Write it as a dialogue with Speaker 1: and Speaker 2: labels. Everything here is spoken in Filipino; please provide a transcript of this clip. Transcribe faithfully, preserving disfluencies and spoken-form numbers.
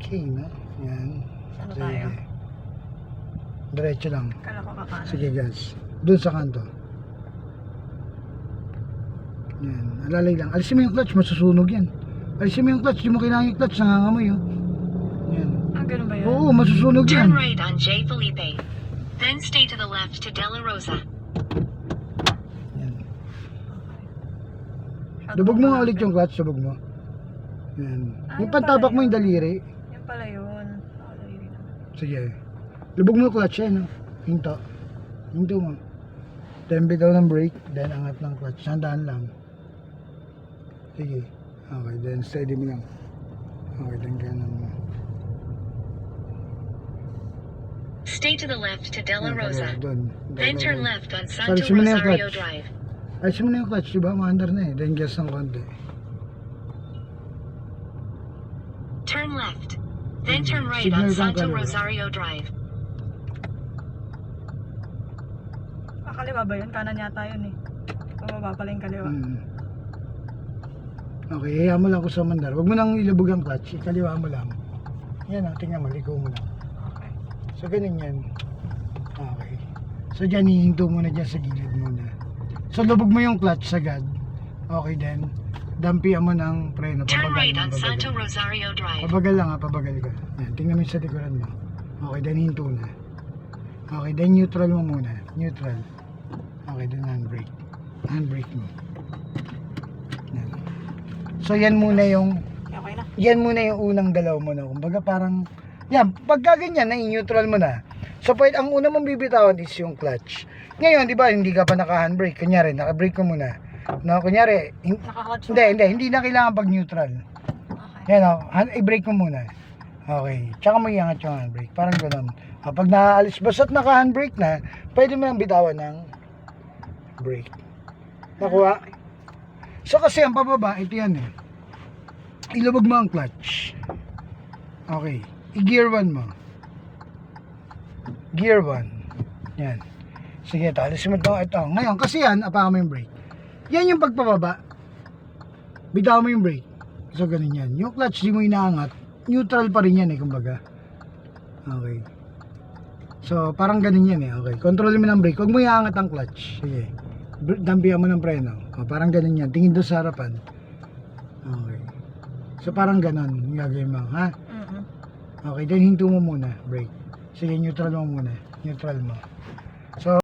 Speaker 1: Okay na. Yan.
Speaker 2: Saan na
Speaker 1: Sige.
Speaker 2: tayo?
Speaker 1: Diretso lang.
Speaker 2: Kala ko kakanan.
Speaker 1: Sige guys. Doon sa kanto. Yan. Alalay lang. Alisin mo yung clutch. Masusunog yan. Alisin mo yung clutch. Di mo kailangan yung clutch. Nangangamoy oh. Yan.
Speaker 2: Ah, ganun ba yun?
Speaker 1: Oo, masusunog yan.
Speaker 3: Turn right on J. Felipe. Then stay to the left to Della Rosa.
Speaker 1: Yan.
Speaker 2: Shot
Speaker 1: Lubog mo nga
Speaker 2: malapit.
Speaker 1: ulit yung clutch. Lubog mo. Yan.
Speaker 2: Ah,
Speaker 1: Yung
Speaker 2: yun
Speaker 1: pantabak
Speaker 2: pala
Speaker 1: mo
Speaker 2: yun.
Speaker 1: yung daliri.
Speaker 2: Yan pala yun. Nakalagay naman.
Speaker 1: Sige. Lubog mo yung clutch yan. No? Hinto. Hinto mo. Then bitaw ng brake. Then angat ng clutch. Sandaan lang. Sige. Okay. Then steady mo lang. Okay. Then kanan mo.
Speaker 3: Stay to the left to Della
Speaker 1: Yan,
Speaker 3: Rosa.
Speaker 1: kaliwa, Doon.
Speaker 3: Then
Speaker 1: Doon,
Speaker 3: turn
Speaker 1: doon.
Speaker 3: left on
Speaker 1: Sorry,
Speaker 3: Santo
Speaker 1: simula yung
Speaker 3: Rosario
Speaker 1: clutch.
Speaker 3: Drive.
Speaker 1: Ay, simula yung clutch. Diba? Maandar na eh. Then gas ng konti.
Speaker 3: Turn left. Then turn right
Speaker 1: Signal
Speaker 3: on
Speaker 1: kang
Speaker 3: Santo
Speaker 1: kaliwa.
Speaker 3: Rosario Drive.
Speaker 2: Ah, kaliwa ba yun? Kanan yata yun eh. Pababa pala yung kaliwa.
Speaker 1: Hmm. Okay, hayaan mo lang ako sa mandar. Huwag mo nang ilubog ang clutch. Ikaliwa mo lang. Yan o, tingnan mo. Liko mo lang.
Speaker 2: Okay.
Speaker 1: So, ganun yan. Okay. So, dyan, hihinto mo na dyan sa gilid muna. So, lubog mo yung clutch sagad. Okay, then, dampian mo ng preno.
Speaker 3: Turn
Speaker 1: Pabagal
Speaker 3: right
Speaker 1: mo,
Speaker 3: on
Speaker 1: pabagal.
Speaker 3: Santo Rosario Drive.
Speaker 1: Pabagal lang ha, pabagal ka. Yan, tingnan mo yung sa likuran mo. Okay, then hinto na. Okay, then neutral mo muna. Neutral. Okay, then handbrake. Handbrake mo. Yan. So, yan muna yung
Speaker 2: Okay na.
Speaker 1: yan muna yung unang galaw mo na. Kumbaga parang, yan, pagka ganyan, na-neutral mo na. So, pwede, ang una mong bibitawan is yung clutch. Ngayon, di ba, hindi ka pa naka-handbrake. Kunyari, naka-brake ko muna. No, kunyari, hin-
Speaker 2: Naka-clutch
Speaker 1: hindi, hindi, hindi na kailangan pag-neutral.
Speaker 2: Okay.
Speaker 1: Yan o, hand- i-brake mo muna. Okay, tsaka mo iangat yung handbrake. Parang gano'n. Kapag naaalis, basta't naka-handbrake na, pwede mo nang bitawan ng brake. Nakuha? So, kasi ang pababa, ito yan eh. Ilubog mo ang clutch. Okay. I-gear one mo. Gear one. Yan. Sige, talis mo ito. Ito. Ngayon, kasi yan, apakan mo yung brake. Yan yung pagpababa. Bitaw mo yung brake. So, ganun yan. Yung clutch, di mo inaangat. Neutral pa rin yan eh, kumbaga. Okay. So, parang ganun yan eh. Okay. Control mo ng brake. Huwag mo iaangat ang clutch. Sige. Dampihan mo ng preno. O, parang ganun yan. Tingin doon sa harapan. Okay. So parang ganon yung gagawin mo, ha?
Speaker 2: Mm-mm.
Speaker 1: Okay, then hinto mo muna, brake. Sige, neutral mo muna. Neutral mo. So